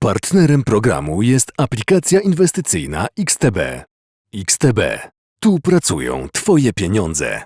Partnerem programu jest aplikacja inwestycyjna XTB. XTB. Tu pracują Twoje pieniądze.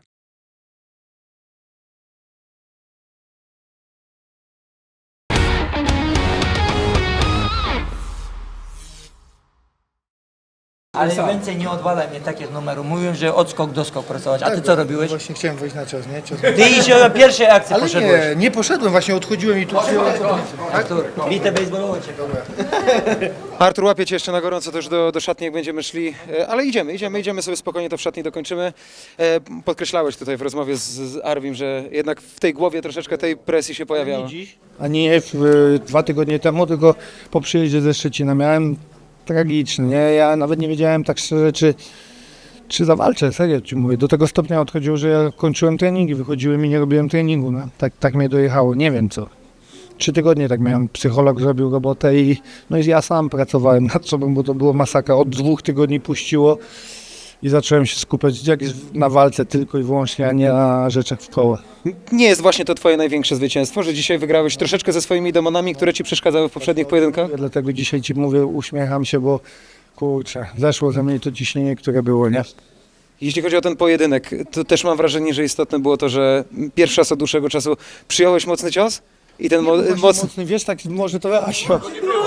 Ale więcej nie odwalaj mnie takich numerów. Mówiłem, że od skok do skok pracować. A ty co robiłeś? Właśnie chciałem wejść na cios, nie? Cios. Ty iść na pierwszej akcji Ale poszedłeś. nie poszedłem, właśnie odchodziłem i tu przyjąłem. Artur, bite baseballowe cię. Artur, łapie cię jeszcze na gorąco też do szatni, jak będziemy szli, ale idziemy sobie spokojnie, to w szatni dokończymy. Podkreślałeś tutaj w rozmowie z Arwim, że jednak w tej głowie troszeczkę tej presji się pojawiała. A nie 2 tygodnie temu, tylko po przyjeździe ze Szczecina miałem tragiczny, nie? Ja nawet nie wiedziałem tak szczerze, czy zawalczę, serio ci mówię. Do tego stopnia odchodziło, że ja kończyłem treningi, wychodziłem i nie robiłem treningu, no. Tak mnie dojechało, nie wiem co. 3 tygodnie tak miałem, psycholog zrobił robotę i ja sam pracowałem nad sobą, bo to było masakra. Od 2 tygodni puściło i zacząłem się skupiać na walce tylko i wyłącznie, a nie na rzeczach w koło. Nie jest właśnie to twoje największe zwycięstwo, że dzisiaj wygrałeś troszeczkę ze swoimi demonami, które ci przeszkadzały w poprzednich pojedynkach? Dlatego dzisiaj ci mówię, uśmiecham się, bo kurczę, zeszło ze mnie to ciśnienie, które było, nie? Jeśli chodzi o ten pojedynek, to też mam wrażenie, że istotne było to, że pierwszy raz od dłuższego czasu przyjąłeś mocny cios i ten mocny... Wiesz, tak może to Asio.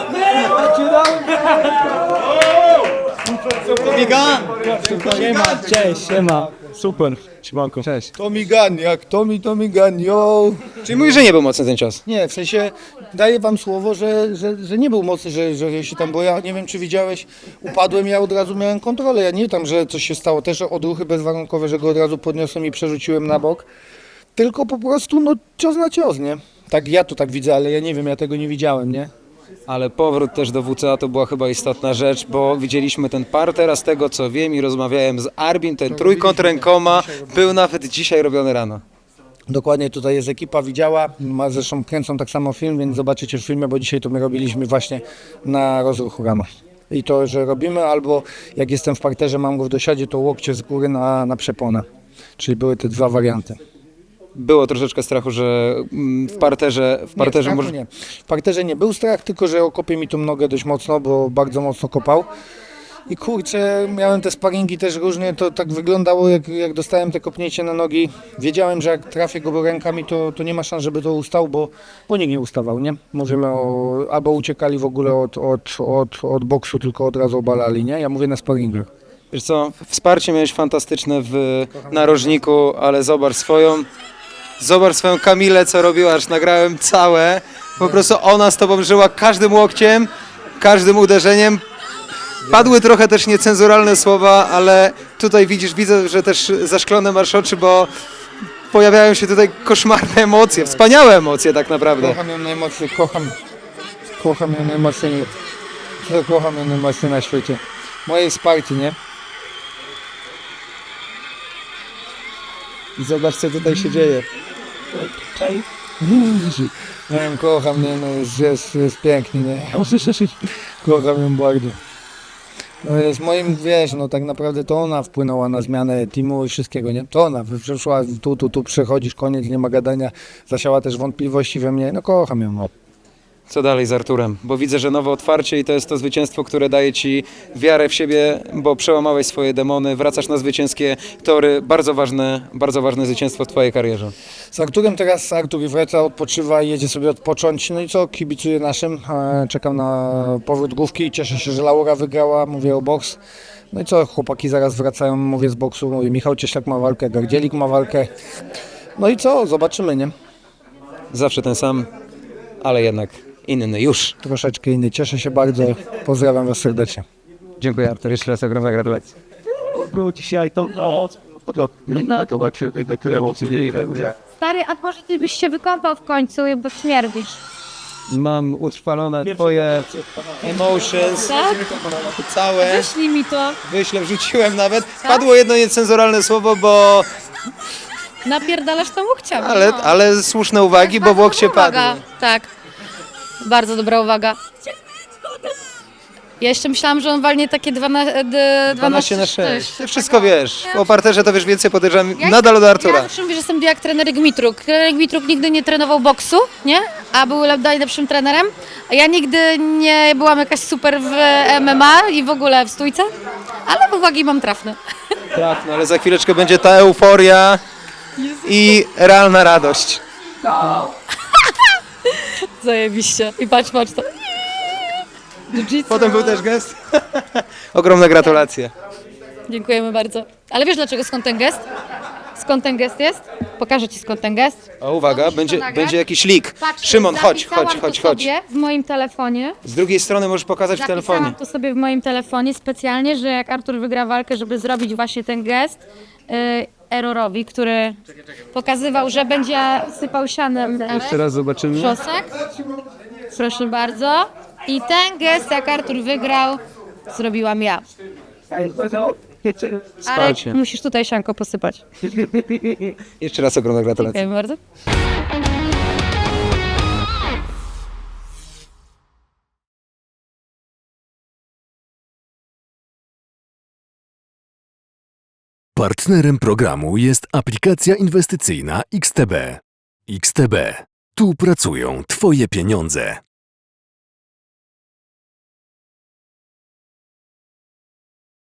Siema, cześć, siema. Super, siemanko. Cześć. Tommy Gunn, jak Tommy Gunn, yo! Czyli mówisz, że nie był mocny ten cios? Nie, w sensie daję wam słowo, że nie był mocny, że się tam, bo ja nie wiem czy widziałeś, upadłem, ja od razu miałem kontrolę, ja nie tam, że coś się stało, też odruchy bezwarunkowe, że go od razu podniosłem i przerzuciłem na bok, tylko po prostu cios na cios, nie? Tak, ja to tak widzę, ale ja nie wiem, ja tego nie widziałem, nie? Ale powrót też do WCA to była chyba istotna rzecz, bo widzieliśmy ten parter, a z tego co wiem i rozmawiałem z Arbim, ten trójkąt rękoma był nawet dzisiaj robiony rano. Dokładnie, tutaj jest ekipa, widziała, zresztą kręcą tak samo film, więc zobaczycie w filmie, bo dzisiaj to my robiliśmy właśnie na rozruchu rama. I to, że robimy, albo jak jestem w parterze, mam go w dosiadzie, to łokcie z góry na przeponę. Czyli były te 2 warianty. Było troszeczkę strachu, że w parterze Nie. W parterze nie był strach, tylko że okopie mi tą nogę dość mocno, bo bardzo mocno kopał. I kurczę, miałem te sparingi też różnie, to tak wyglądało, jak dostałem te kopnięcie na nogi. Wiedziałem, że jak trafię go rękami, to nie ma szans, żeby to ustał, bo nikt nie ustawał, nie? Mówimy albo uciekali w ogóle od boksu, tylko od razu obalali, nie? Ja mówię na sparingach. Wiesz co, wsparcie miałeś fantastyczne w narożniku, ale zobacz swoją Kamilę, co robiła, aż nagrałem całe. Po prostu ona z tobą żyła każdym łokciem, każdym uderzeniem. Padły trochę też niecenzuralne słowa, ale tutaj widzę, że też zaszklone masz oczy, bo pojawiają się tutaj koszmarne emocje, wspaniałe emocje tak naprawdę. Kocham ją najmocniej, kocham ją najmocniej na świecie. Moje wsparcie, nie? I zobacz, co tutaj się dzieje. Nie wiem, kocham, nie, jest pięknie, nie? Kocham ją bardzo. Jest moim, wiesz, tak naprawdę to ona wpłynęła na zmianę teamu i wszystkiego, nie? To ona przyszła, tu przechodzisz, koniec, nie ma gadania, zasiała też wątpliwości we mnie, kocham ją. Co dalej z Arturem? Bo widzę, że nowe otwarcie i to jest to zwycięstwo, które daje ci wiarę w siebie, bo przełamałeś swoje demony, wracasz na zwycięskie tory. Bardzo ważne zwycięstwo w twojej karierze. Z Arturem teraz Artur wraca, odpoczywa i jedzie sobie odpocząć. No i co, kibicuję naszym, czekam na powrót główki, cieszę się, że Laura wygrała, mówię o boks. No i co, chłopaki zaraz wracają, mówię z boksu, mówię, Michał Cieślak ma walkę, Gardzielik ma walkę. No i co, zobaczymy, nie? Zawsze ten sam, ale jednak inny już. Troszeczkę inny, cieszę się bardzo, pozdrawiam was serdecznie. Dziękuję Artur, jeszcze raz ogromne gratulacje. Dzisiaj to Stary, a może ty byś się wykąpał w końcu, bo śmierdzisz. Mam utrwalone twoje emotions, Tak? całe. Wyślij mi to. Wyślę, wrzuciłem nawet. Padło jedno niecenzuralne słowo, bo... Napierdalasz tam łokciami. Ale słuszne uwagi, bo w łokcie padły. Tak, bardzo dobra uwaga. Ja jeszcze myślałam, że on walnie takie 12 na 6. Ty wszystko wiesz. O parterze to wiesz więcej, podejrzewam nadal od Ja Artura. zawsze mówię, że jestem jak trener Gmitruk. Trener Gmitruk nigdy nie trenował boksu, nie? A był najlepszym trenerem. A ja nigdy nie byłam jakaś super w MMA i w ogóle w stójce, ale uwagi mam trafne. Tak, no ale za chwileczkę będzie ta euforia i realna radość. Zajebiście. I patrz to. Jiu-jitsu. Potem był też gest. Ogromne gratulacje. Dziękujemy bardzo. Ale wiesz dlaczego, skąd ten gest? Skąd ten gest jest? Pokażę ci skąd ten gest. O, uwaga, Musisz to będzie, nagrać. będzie jakiś lik. Patrz, Szymon, chodź. zapisałam to sobie w moim telefonie. Z drugiej strony możesz pokazać w telefonie. Zapisałam to sobie w moim telefonie specjalnie, że jak Artur wygra walkę, żeby zrobić właśnie ten gest Errorowi, który pokazywał, że będzie sypał sianem Jeszcze raz zobaczymy. szosek. Proszę bardzo. I ten gest, jak Artur wygrał, zrobiłam ja. Arek, musisz tutaj sianko posypać. Jeszcze raz ogromne gratulacje. Dziękujemy bardzo. Partnerem programu jest aplikacja inwestycyjna XTB. XTB. Tu pracują Twoje pieniądze.